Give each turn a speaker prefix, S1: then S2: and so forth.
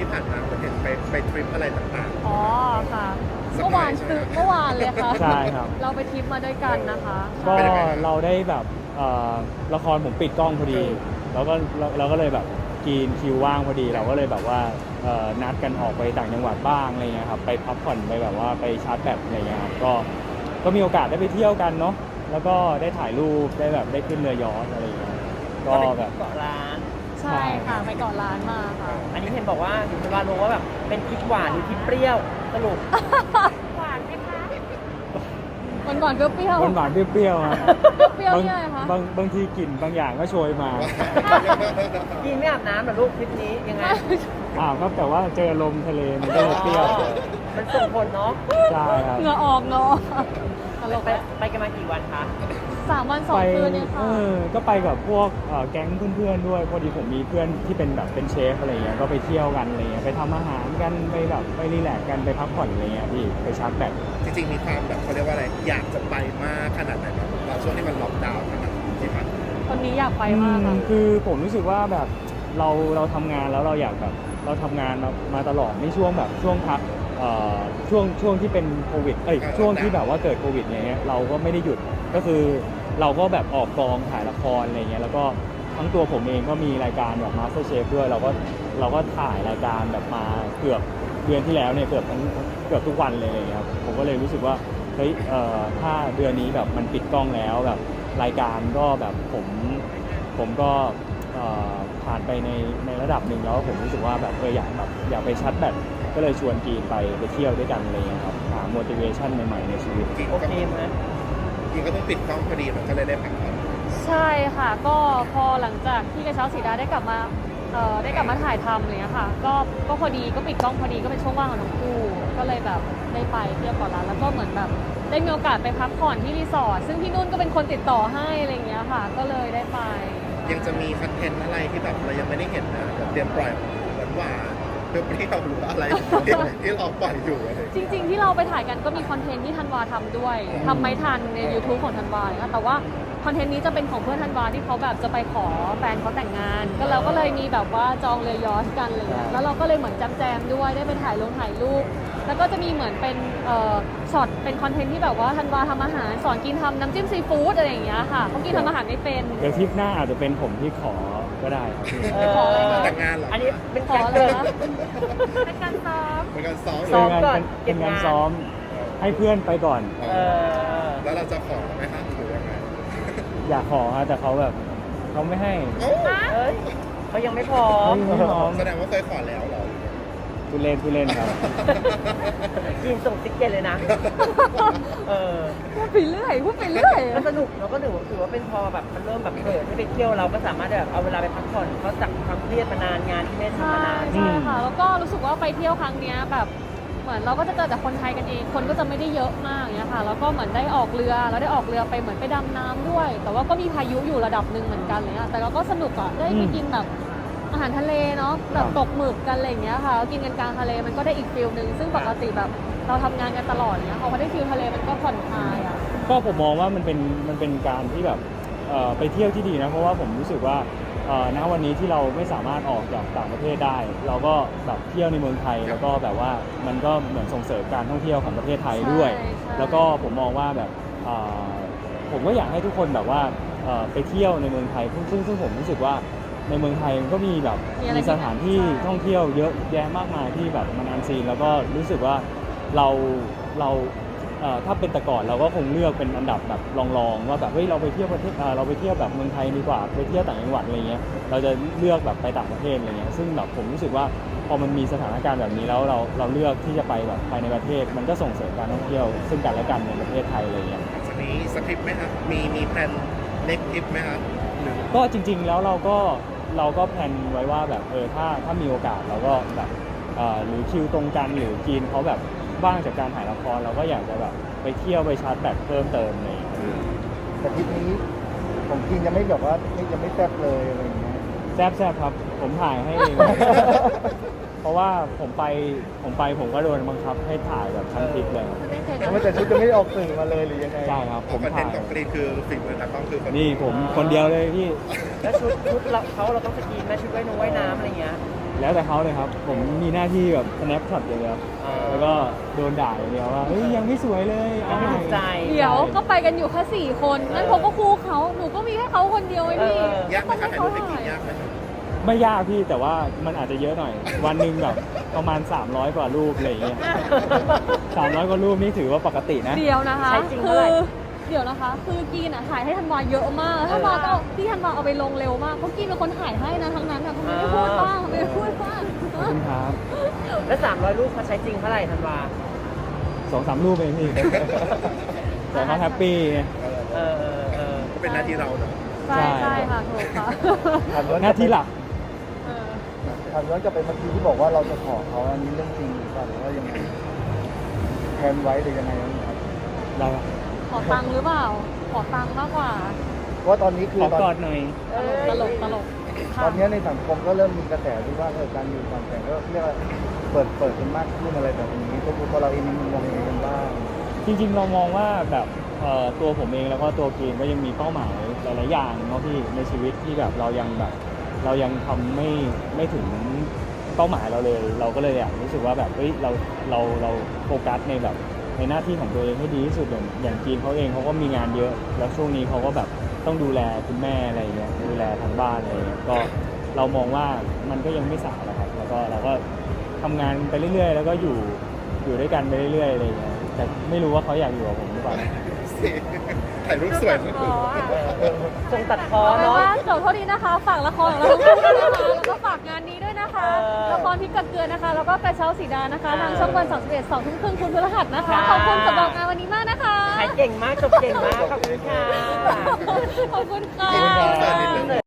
S1: ที่ผ่านมาผมเห็นไปทริปอะไรต่าง
S2: อ๋อค่ะ
S1: สัก
S2: เมื่อ
S1: หน่อ
S2: วาย น
S1: ใช่ไหม
S2: คือเมื่อวานเลยค่ะ
S3: ใช่ครับ
S2: เราไปทริปมาด้วยกันนะคะ
S3: ก็
S1: เป็นยังไงครับ
S3: เราได้แบบละครผมปิดกล้องพอดี แล้วก็เราก็เลยแบบกินคิวว่างพอดี เราก็เลยแบบว่านัดกันออกไปต่างจังหวัดบ้างอะไรเงี้ยครับไปพักผ่อนไปแบบว่าไปชาร์จแบตอะไรเงี้ยครับก็มีโอกาสได้ไปเที่ยวกันเนาะแล้วก็ได้ถ่ายรูปได้แบบได้ขึ้นเรือยอชต์อะไรเงี้ยก็แบบ
S4: เกาะร้าน
S2: ใช่ค่ะไปเกาะล้านมาค่ะ
S4: อันนี้เห็นบอกว่าถึงเวลารู้ว่าแบบเป็นพริกหวานหรือพริกเปรี้ยวสรุป
S2: หวานไหมคะหวานเปรี้ยว
S3: หวานๆเปรี้ยวๆครับ
S2: เปรี้ยวเนี่ยอะไรคะ
S3: บางทีกลิ่นบางอย่างก็โชยมา
S4: กินไม่อาบน้ำเหรอลูกทริปนี้ยังไง
S3: ครับแต่ว่าเจอลมทะเลมันก็เลยเปรี้ยว
S4: มันส่งผลเนาะ
S3: ใช่ครับ
S2: เหงื่อออกเนาะตลก
S4: ไปกันมากี่วันคะ
S2: 3 วัน 2 คืนเนี่ยค่ะ
S3: ก็ไปกับพวกแก๊งเพื่อนๆด้วยพอดีผมมีเพื่อนที่เป็นแบบเป็นเชฟอะไรเงี้ยก็ไปเที่ยวกันอะไรเงี้ยไปทำอาหารกันไปแบบไปรีแลกซ์กันไปพักผ่อนอะไรเงี้ยพี่ไปชาร์จแบต
S1: จริงๆมีความแบบเขาเรียกว่าอะไรอยากจะไปมากขนาดไหนแบบตอนช่วงที่มันล็อกดาวน์ขนาดที่ผ่านมา
S2: คนนี้อยากไปมากค่ะ
S3: คือผมรู้สึกว่าแบบเราทำงานแล้วเราอยากแบบเราทำงานมาตลอดในช่วงแบบช่วงพักช่วงที่เป็นโควิดช่วงที่แบบว่าเกิดโควิดอะไรเงี้ยเราก็ไม่ได้หยุดก็คือเราก็แบบออกกองถ่ายละครอะไรเงี้ยแล้วก็ทั้งตัวผมเองก็มีรายการแบบ Master Chef ด้วยเราก็ถ่ายรายการแบบมาเกือบเดือนที่แล้วเนี่ยเกือบทุกวันเลยอะไรเงี้ยครับผมก็เลยรู้สึกว่าเฮ้ยถ้าเดือนนี้แบบมันปิดกล้องแล้วแบบรายการก็แบบผมก็ผ่านไปในระดับหนึ่งแล้วผมรู้สึกว่าแบบอยากไปชาร์จแบตก็เลยชวนกีนไปเที่ยวด้วยกันอะไรเงี้ยครับหา motivation ใหม่ๆในชีวิต
S1: จริง
S4: โอ
S1: ก็
S4: เคไหม
S1: จริงก็ต้องปิดกล้องพอดีมันก็เลยได้พักผ่อน
S2: ใช่ค่ะ ก็พอหลังจากที่กระเช้าสีดาได้กลับมาถ่ายทำอะไรเลยค่ะก็พอดีก็ปิดกล้องพอดีก็เป็นช่วงว่างของทั้งคู่ก็เลยแบบได้ไปเที่ยวเกาะล้านแล้วก็เหมือนแบบได้มีโอกาสไปพักผ่อนที่รีสอร์ทซึ่งพี่นุ่นก็เป็นคนติดต่อให้อะไรอย่างเงี้ยค่ะ ก็เลยได้ไป
S1: ยังจะมีคอนเทนต์อะไรที่แบบเรายังไม่ได้เห็นนะแบบเตรียมปล่อยหวานๆเปรี้ยวๆหรือว่าอะไรที่เราปล่อยอยู่อะไร
S2: จริงๆที่เราไปถ่ายกันก็มีคอนเทนต์ที่ธันวาทำด้วยทำไม่ทันใน YouTube ของธันวาเนี่ยแต่ว่าคอนเทนต์นี้จะเป็นของเพื่อนธันวาที่เขาแบบจะไปขอแฟนเขาแต่งงาน ก็เราก็เลยมีแบบว่าจองเรือยอชต์กันอะไรเลยแล้วเราก็เลยเหมือนแจมด้วยได้ไปถ่ายรูปแล้วก็จะมีเหมือนเป็นช็อตเป็นคอนเทนต์ที่แบบว่าธันวาทำอาหารสอนกินทำน้ำจิ้มซีฟู้ดอะไรอย่างเงี้ยค่ะเขากินทำอาหารไม่เป็น
S3: เดี๋ยวทริปหน้าอาจจะเป็นผมที่ขอก็ได้ครับพี่
S2: ขออะไรคะ
S1: แต่งงานเหรอ
S4: อันนี้เป็น
S2: ขอ
S4: การ
S2: เล
S4: เกิ
S2: ย
S4: ด
S2: นะเป็นการซ้อม
S1: เป็นการซ้อม
S4: ซ้อม
S1: เลย
S4: ก่อน
S3: เป็นงาน
S4: เก็บงาน
S3: ซ้อมให้เพื่อนไปก่อน
S4: เออ
S1: แล้วเราจะขอไหมครับหรือยังไง
S3: อยากขอฮะแต่เขาแบบเขาไม่ให้
S1: เอ้า
S4: เอ้ยเขายังไม่พร้อม
S3: ไม่พร้อม
S1: แสดงว่าเคยขอแล้วเหรอ
S3: พูดเล่นครับ
S4: กินส่งติ๊กเก็ตเลยนะ เออ
S2: พูดไปเรื่อยพูดไปเรื่อย
S4: ก็สนุกเราก็ถือว่าเป็นพอแบบมันเริ่มแบบเปิดให้ไปเที่ยวเราก็สามารถแบบเอาเวลาไปพักผ่อนเพราะจากความเครียดมานานงานที่ไม่ได้ทำ
S2: ใช่
S4: มานาน
S2: ใช่ค่ะ แล้วก็รู้สึกว่าไปเที่ยวครั้งเนี้ยแบบเหมือนเราก็จะเจอแต่คนไทยกันเอง คนก็จะไม่ได้เยอะมากอย่างเงี้ยค่ะ แล้วก็เหมือนได้ออกเรือแล้วได้ออกเรือไปเหมือนไปดำน้ำด้วย แต่ว่าก็มีพายุอยู่ระดับหนึ่งเหมือนกันเลยอะแต่เราก็สนุกอะได้ไปกินแบบอาหารทะเลเนาะแบบตกหมึกกันอะไรอย่างเงี้ยค่ะกินกันกลางทะเลมันก็ได้อีกฟิลนึงซึ่งปกติแบบเราทำงานกันตลอดเงี้ยพอได้ฟิลทะเลมันก็ผ่อนคลายอะ
S3: ก็ผมมองว่ามันเป็นการที่แบบไปเที่ยวที่ดีนะเพราะว่าผมรู้สึกว่าณวันนี้ที่เราไม่สามารถออกจากต่างประเทศได้ เราก็แบบเที่ยวในเมืองไทยแล้วก็แบบว่ามันก็เหมือนส่งเสริมการท่องเที่ยวของประเทศไทยด้วย
S2: ใช่ใช่
S3: แล้วก็ผมมองว่าแบบผมก็อยากให้ทุกคนแบบว่าไปเที่ยวในเมืองไทยซึ่งผมรู้สึกว่าในเมืองไทยมันก็มีแบบมีสถานที่ท่องเที่ยวเยอะแยะมากมายที่แบบมันอันซีนแล้วก็รู้สึกว่าเราถ้าเป็นแต่ก่อนเราก็คงเลือกเป็นอันดับแบบรองๆว่าแบบเฮ้ยเราไปเที่ยวประเทศเราไปเที่ยวแบบเมืองไทยดีกว่าไปเที่ยวต่างจังหวัดอะไรเงี้ยเราจะเลือกแบบไปต่างประเทศอะไรเงี้ยซึ่งแบบผมรู้สึกว่าพอมันมีสถานการณ์แบบนี้แล้วเราเลือกที่จะไปแบบไปในประเทศมันก็ส่งเสริมการท่องเที่ยวซึ่งกันและกันในประเทศไทยอะไรเงี้ย
S1: จากนี้สคริปต์ไหมครับมีแพลนเน็กทริปไหมครับหรือ
S3: ก็จริงๆแล้วเราก็แพลนไว้ว่าแบบถ้ามีโอกาสเราก็แบบหรือคิวตรงกันหรือจีนเขาแบบว่างจากการถ่ายละครเราก็อยากจะแบบไปเที่ยวไปชาร์จแบตเพิ่มเติมอะไรอย่างเงี้ย
S5: แต่ทริปนี้ผมกินยังไม่แบบว่ายังไม่แซ่บเลยอะไรอย่างเงี้ย
S3: แซ่บครับผมถ่ายให้เอง เพราะว่าผมไปผมก็โดนบังคับให้ถ่ายแบบทั้งทริปเลย
S2: ไม่เคย
S5: แต่ว่าแต่ชุดจะไม่ได้ออกสื่อมาเลยหรือยังไง
S3: ใช่ครับ
S1: ข
S3: ผ
S1: อง
S3: ม
S1: คอนเท
S3: ถ่าน ย
S1: ต์ของกรีนคือฝีมือตากล้องคือคน
S3: นี่ผมคนเดียวเลยพี่
S4: แล้วชุดเราต้องสกรีนไหมชุดว่ายน้ำอะไรเงี้ย
S3: โแล้วแต่เขาเลยครับ ผมมีหน้าที่แบบ snap shot อย่างเดียวแล้วก็โดนด่าอย่างเดียวว่าเฮ้ยยังไม่สวยเลย
S4: ยังไม่ถูกใจ
S2: เดี๋ยวก็ไปกันอยู่แค่4 คนงั้นผมก็คู่เขาหนูก็มีแค่เขาคนเดียวไอ้พี่
S1: ยากไหมคะถ่ายรูปไปกินยากไหมคะ
S3: ไม่ยากพี่แต่ว่ามันอาจจะเยอะหน่อย วันหนึ่งแบบประมาณ 300 กว่ารูปอะไรอย่างเงี้ย300 กว่ารูปนี่ถือว่าปกตินะ
S2: เดี๋ยวนะคะ
S4: ใช้จริง
S2: คื
S4: เท่าไหร่
S2: เดี๋ยวนะคะ คือกีนอ่ะถ่ายให้ธันวาเยอะมากธันวาก็เอาพี่ธันวาเอาไปลงเร็วมากเพราะกีนเป็นคนถ่ายให้นะทั้งนั้นอ่ะทำไมไม่พูดบ้างไม่พูดบ้าง
S3: ขอบคุณครับ
S4: แล้ว300รูปเขาใช้จริงเท่าไหร่ธันวา
S3: 2-3 รูปเองพี่ แต่เขาแฮปปี้ไง
S4: เออ
S1: ก็เป็นหน้าที่เราเนาะ
S2: ใช่ใช่ค่ะถูกค่ะ
S5: ถามย้อน
S3: หน้าที่หลัก
S2: เออ
S5: ถามย้อนกลับไปเมื่อกี้ที่บอกว่าเราจะขอเขาอันนี้เรื่องจริงหรือเปล่าหรือว่ายังไงแทนไว้หรือยังไงครับ
S3: เรา
S2: ขอตังค์หรือเปล่า ขอตังค์มากกว่า
S5: เพราะว่าตอนนี้คือ
S3: ขอก
S5: ต
S3: อ
S5: อน
S3: ดหน่อย
S2: ตลกตลก
S5: ตอนนี้ในสังคมก็เริ่มมีกระแสที่ว่าการอยู่ก่อนแต่งก็เรียกว่าเปิดกันมากขึ้นอะไรแบบนี้ตัวเราเองมีมุมมองยังไงกันบ้าง
S3: จริงๆเรามองว่าแบบตัวผมเองแล้วก็ตัวเกมก็ยังมีเป้าหมายหลายๆอย่างเนาะพี่ในชีวิตที่แบบเรายังทำไม่ถึงเป้าหมายเราเลย เราก็เลยอยากรู้สึกว่าแบบเฮ้ยเราโฟกัสในแบบในหน้าที่ของตัวเองให้ดีที่สุดอย่างจีนเขาเองเขาก็มีงานเยอะ แล้วช่วงนี้เขาก็แบบต้องดูแลคุณแม่อะไรเงี้ยดูแลทางบ้านอะไรเงี้ยก็เรามองว่ามันก็ยังไม่สายนะครับแล้วก็เราก็ทำงานไปเรื่อยๆ แล้วก็อยู่ด้วยกันไปเรื่อยๆอะไรเงี้ยแต่ไม่รู้ว่าเขาอยากอยู่กับผมหรือเปล่า
S1: ถ่ายรูปสวยมาก
S4: ทรงตัดคอ
S2: เอาเป็น
S4: เนาะ
S2: ว่าเดี๋ยวโทษทีนะคะ ฝากละครของเราทั้งคู่ด้วยนะคะแล้วก็ฝากงานนี้ด้วยนะคะ
S4: เออ
S2: ละครพริกกับเกลือนะคะ แล้วก็กระเช้าสีดานะคะ
S4: เออ
S2: ทางช่องวัน31 2 ทุ่มครึ่งคุณพฤหัสนะคะ
S4: ค่ะ
S2: ขอบคุณสำหรับงานวันนี้มากนะคะ
S4: ขายเก่งมากจบเก่งมาก ขอบคุณค่ะ
S2: ขอบคุณค่ะ
S1: ขอบคุณค่ะ